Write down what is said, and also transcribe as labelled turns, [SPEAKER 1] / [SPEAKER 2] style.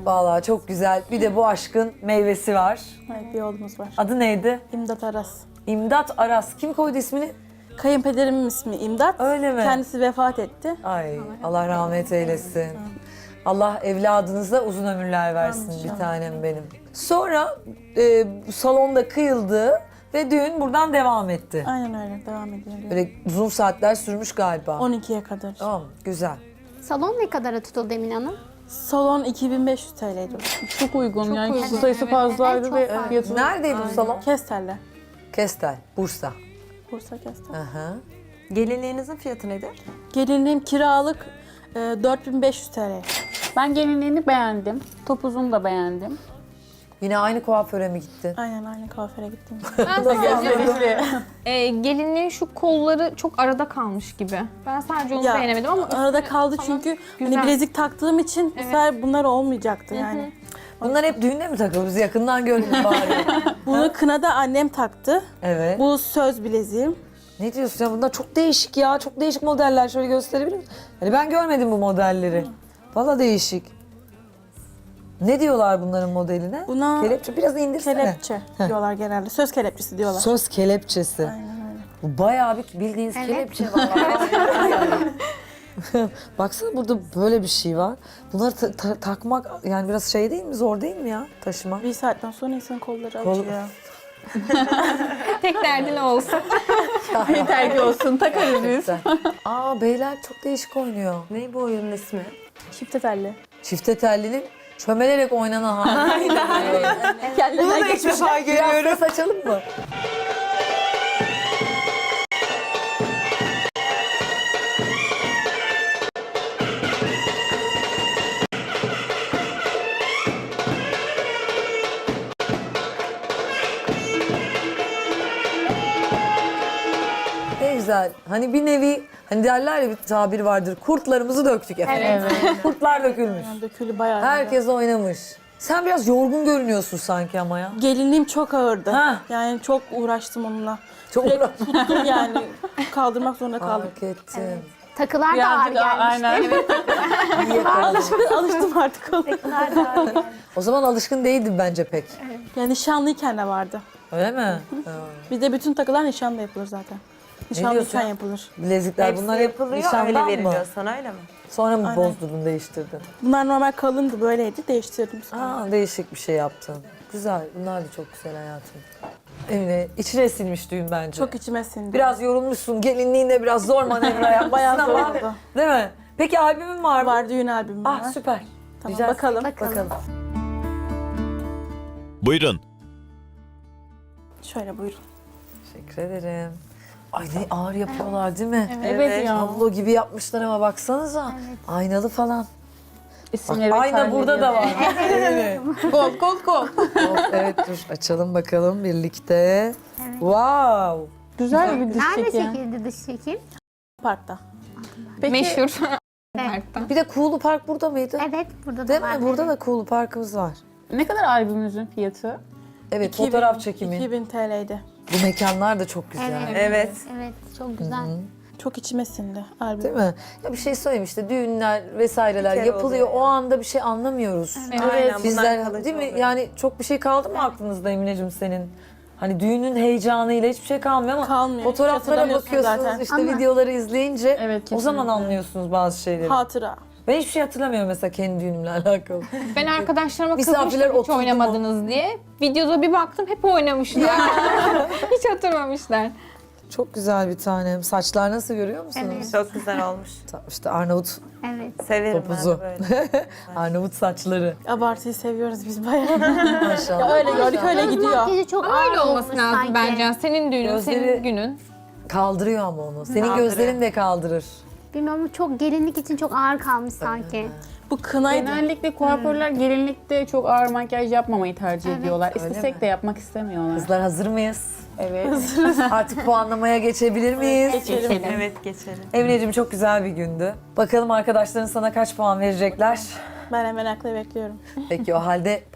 [SPEAKER 1] Vallahi çok güzel. Bir de bu aşkın meyvesi var.
[SPEAKER 2] Evet, bir oğlumuz var.
[SPEAKER 1] Adı neydi?
[SPEAKER 2] İmdat Aras.
[SPEAKER 1] İmdat Aras. Kim koydu ismini?
[SPEAKER 2] Kayınpederimin ismi İmdat.
[SPEAKER 1] Öyle mi?
[SPEAKER 2] Kendisi vefat etti.
[SPEAKER 1] Ay Allah rahmet eylesin. Allah evladınıza uzun ömürler versin bir tanem benim. Sonra salonda kıyıldı ve düğün buradan devam etti.
[SPEAKER 2] Aynen öyle, devam ediyor.
[SPEAKER 1] Böyle uzun saatler sürmüş galiba.
[SPEAKER 2] 12'ye kadar.
[SPEAKER 1] Tamam, güzel.
[SPEAKER 3] Salon ne kadara tutuldu Emine Hanım?
[SPEAKER 2] Salon 2500 TL'ydi.
[SPEAKER 4] Çok uygun yani
[SPEAKER 3] uygun.
[SPEAKER 4] kişi sayısı fazlaydı
[SPEAKER 3] Evet,
[SPEAKER 4] ve
[SPEAKER 3] çok fazla.
[SPEAKER 4] fiyatı
[SPEAKER 1] Neredeydi bu salon?
[SPEAKER 2] Kestel'le.
[SPEAKER 1] Kestel, Bursa.
[SPEAKER 2] Bursa Kestel.
[SPEAKER 1] Aha.
[SPEAKER 5] Gelinliğinizin fiyatı nedir?
[SPEAKER 2] Gelinliğim kiralık 4500 TL.
[SPEAKER 4] Ben gelinliğini beğendim. Topuzunu da beğendim.
[SPEAKER 1] Yine aynı kuaföre mi gittin?
[SPEAKER 2] Aynen kuaföre gittim.
[SPEAKER 6] Gelinliğin şu kolları çok arada kalmış gibi. Ben sadece onu
[SPEAKER 2] Ya,
[SPEAKER 6] beğenemedim ama
[SPEAKER 2] Arada kaldı çünkü hani bilezik taktığım için bu sefer bunlar olmayacaktı yani.
[SPEAKER 1] Bunlar hep düğünde mi takıyoruz? Yakından gördüm bari.
[SPEAKER 2] Bunu kınada annem taktı.
[SPEAKER 1] Evet.
[SPEAKER 2] Bu söz bileziğim.
[SPEAKER 1] Ne diyorsun ya? Bunlar çok değişik ya. Çok değişik modeller. Şöyle gösterebilir misin? Yani ben görmedim bu modelleri. Vallahi değişik. Ne diyorlar bunların modeline?
[SPEAKER 2] Buna
[SPEAKER 1] Kelepçe. Biraz indirsene.
[SPEAKER 2] kelepçe diyorlar genelde. Söz kelepçesi diyorlar.
[SPEAKER 1] Söz kelepçesi.
[SPEAKER 2] Aynen öyle.
[SPEAKER 1] Bu bayağı bir bildiğiniz kelepçe var. Baksana burada böyle bir şey var. Bunları takmak yani biraz şey değil mi? Zor değil mi ya taşımak?
[SPEAKER 2] Bir saatten sonra insan kolları
[SPEAKER 1] Kol-
[SPEAKER 2] acıyor.
[SPEAKER 6] tek derdin olsun.
[SPEAKER 4] Yeter ki olsun takarız biz.
[SPEAKER 1] Aa beyler çok değişik oynuyor.
[SPEAKER 5] Ne bu oyunun ismi?
[SPEAKER 2] Çifte telli.
[SPEAKER 1] Çifte tellinin çömelerek oynanan hali.
[SPEAKER 2] Kendine
[SPEAKER 5] Bunu da ilk defa görüyorum.
[SPEAKER 1] Biraz da saçalım mı? Ne güzel. Hani bir nevi, hani derler ya bir tabir vardır. Kurtlarımızı döktük efendim. Kurtlar dökülmüş.
[SPEAKER 2] Yani dökülü bayağı.
[SPEAKER 1] Herkes oynamış. Sen biraz yorgun görünüyorsun sanki ama ya.
[SPEAKER 2] Gelinliğim çok ağırdı.
[SPEAKER 1] Ha.
[SPEAKER 2] Yani çok uğraştım onunla.
[SPEAKER 1] Çok
[SPEAKER 2] Sürekli tuttum yani. Kaldırmak zorunda kaldım.
[SPEAKER 1] fark ettim.
[SPEAKER 3] Takılar da ağır
[SPEAKER 4] Birazcık
[SPEAKER 3] gelmişti.
[SPEAKER 4] aynen.
[SPEAKER 1] İyi yakaladın.
[SPEAKER 2] Alıştım artık ona.
[SPEAKER 3] Takılar da ağır geldi.
[SPEAKER 1] O zaman alışkın değildin bence pek.
[SPEAKER 2] Yani nişanlıyken de vardı.
[SPEAKER 1] Öyle mi? Ha.
[SPEAKER 2] Bizde bütün takılar nişanda yapılır zaten.
[SPEAKER 1] diyorsun?
[SPEAKER 2] Nişanlıyken yapılır.
[SPEAKER 1] Bilezikler
[SPEAKER 5] Hepsi
[SPEAKER 1] bunlar hep
[SPEAKER 5] yapılıyor,
[SPEAKER 1] nişandan
[SPEAKER 5] öyle
[SPEAKER 1] mı?
[SPEAKER 5] veriliyor sana öyle mi?
[SPEAKER 1] Sonra mı
[SPEAKER 2] Aynen.
[SPEAKER 1] bozdurdun, değiştirdin?
[SPEAKER 2] Bunlar normal kalındı böyleydi. Değiştirdim sonra.
[SPEAKER 1] Aa, değişik bir şey yaptın. Güzel, bunlar da çok güzel hayatım. Emine, içine sinmiş düğün bence.
[SPEAKER 2] Çok içime sindi.
[SPEAKER 1] Biraz yorulmuşsun, gelinliğinde biraz zor manevra yapmışsın
[SPEAKER 2] Bayağı zor
[SPEAKER 1] ama.
[SPEAKER 2] oldu.
[SPEAKER 1] Değil mi? Peki albümün var mı?
[SPEAKER 2] Var, düğün albümüm
[SPEAKER 1] Ah
[SPEAKER 2] var.
[SPEAKER 1] süper.
[SPEAKER 2] Tamam,
[SPEAKER 1] Güzel.
[SPEAKER 2] bakalım.
[SPEAKER 3] Bakalım.
[SPEAKER 7] Buyurun.
[SPEAKER 2] Şöyle buyurun.
[SPEAKER 1] Teşekkür ederim. Ay ne ağır yapıyorlar değil mi?
[SPEAKER 4] Evet ya.
[SPEAKER 1] Tablo gibi yapmışlar ama baksanıza. Aynalı falan. Bak,
[SPEAKER 4] İsimleri ve
[SPEAKER 1] ayna burada da var. Evet.
[SPEAKER 4] Kol kol kol.
[SPEAKER 1] Evet dur açalım bakalım birlikte. Wow.
[SPEAKER 4] Güzel bir diş
[SPEAKER 3] Nerede
[SPEAKER 4] çeki.
[SPEAKER 3] çekildi dış çekim?
[SPEAKER 2] Parkta.
[SPEAKER 6] Meşhur.
[SPEAKER 1] Bir de Kuğulu Park burada mıydı?
[SPEAKER 3] Evet, burada da
[SPEAKER 1] Değil
[SPEAKER 3] var.
[SPEAKER 1] mi? Burada da Kuğulu Park'ımız var.
[SPEAKER 4] Ne kadar albümümüzün fiyatı?
[SPEAKER 1] Evet
[SPEAKER 2] 2000
[SPEAKER 1] fotoğraf çekimi.
[SPEAKER 2] 2000 TL'ydi.
[SPEAKER 1] Bu mekanlar da çok güzel.
[SPEAKER 3] Evet.
[SPEAKER 5] Evet.
[SPEAKER 3] Evet, çok güzel.
[SPEAKER 2] Çok içime sindi albüm.
[SPEAKER 1] Değil mi? Ya bir şey söyleyeyim işte düğünler vesaireler
[SPEAKER 5] Bir kere
[SPEAKER 1] yapılıyor.
[SPEAKER 5] oluyor
[SPEAKER 1] O anda bir şey anlamıyoruz.
[SPEAKER 5] Aynen, bunlar
[SPEAKER 1] Bizler
[SPEAKER 5] kalıcı
[SPEAKER 1] değil mi?
[SPEAKER 5] oluyor.
[SPEAKER 1] Yani çok bir şey kaldı mı aklınızda Emineciğim senin? Hani düğünün heyecanıyla hiçbir şey kalmıyor ama
[SPEAKER 2] Kalmıyor.
[SPEAKER 1] fotoğraflara
[SPEAKER 2] Hatırlamıyorsun
[SPEAKER 1] bakıyorsunuz
[SPEAKER 2] zaten.
[SPEAKER 1] işte
[SPEAKER 3] Ama-
[SPEAKER 1] videoları izleyince
[SPEAKER 4] Evet,
[SPEAKER 1] o zaman
[SPEAKER 4] kesinlikle.
[SPEAKER 1] anlıyorsunuz bazı şeyleri.
[SPEAKER 2] Hatıra.
[SPEAKER 1] Ben hiçbir şey hatırlamıyorum mesela kendi düğünümle alakalı.
[SPEAKER 6] Ben arkadaşlarıma
[SPEAKER 1] Misafirler
[SPEAKER 6] kızmıştım hiç
[SPEAKER 1] oturdu mu?
[SPEAKER 6] oynamadınız diye. Videoda bir baktım hep oynamışlar. Hiç hatırlamamışlar.
[SPEAKER 1] Çok güzel bir tanem. Saçlar nasıl görüyor musunuz?
[SPEAKER 3] Evet.
[SPEAKER 5] Çok güzel olmuş.
[SPEAKER 1] İşte Arnavut
[SPEAKER 3] Evet.
[SPEAKER 5] Severim
[SPEAKER 1] topuzu.
[SPEAKER 5] ben de böyle.
[SPEAKER 1] Arnavut saçları.
[SPEAKER 2] Abartıyı seviyoruz biz bayağı.
[SPEAKER 1] Maşallah.
[SPEAKER 2] Öyle gördük öyle gidiyor.
[SPEAKER 3] Makyajı çok
[SPEAKER 6] Ama
[SPEAKER 3] ağır
[SPEAKER 6] öyle olması
[SPEAKER 3] olmuş
[SPEAKER 6] lazım
[SPEAKER 3] sanki.
[SPEAKER 6] bence. Senin düğünün,
[SPEAKER 1] Gözleri-
[SPEAKER 6] senin günün.
[SPEAKER 1] Kaldırıyor ama onu. Senin
[SPEAKER 5] Kaldırıyor.
[SPEAKER 1] gözlerin de kaldırır.
[SPEAKER 3] Bilmiyorum, çok gelinlik için çok ağır kalmış sanki.
[SPEAKER 2] Bu kınaydı.
[SPEAKER 4] Genellikle kuaförler gelinlikte çok ağır makyaj yapmamayı tercih ediyorlar.
[SPEAKER 1] Öyle
[SPEAKER 4] İstesek
[SPEAKER 1] mi?
[SPEAKER 4] de yapmak istemiyorlar.
[SPEAKER 1] Kızlar hazır mıyız?
[SPEAKER 4] Evet.
[SPEAKER 1] Artık puanlamaya geçebilir miyiz?
[SPEAKER 2] Geçelim.
[SPEAKER 5] Evet geçelim.
[SPEAKER 1] Emineciğim çok güzel bir gündü. Bakalım arkadaşların sana kaç puan verecekler?
[SPEAKER 2] Ben hemen akla bekliyorum.
[SPEAKER 1] Peki o halde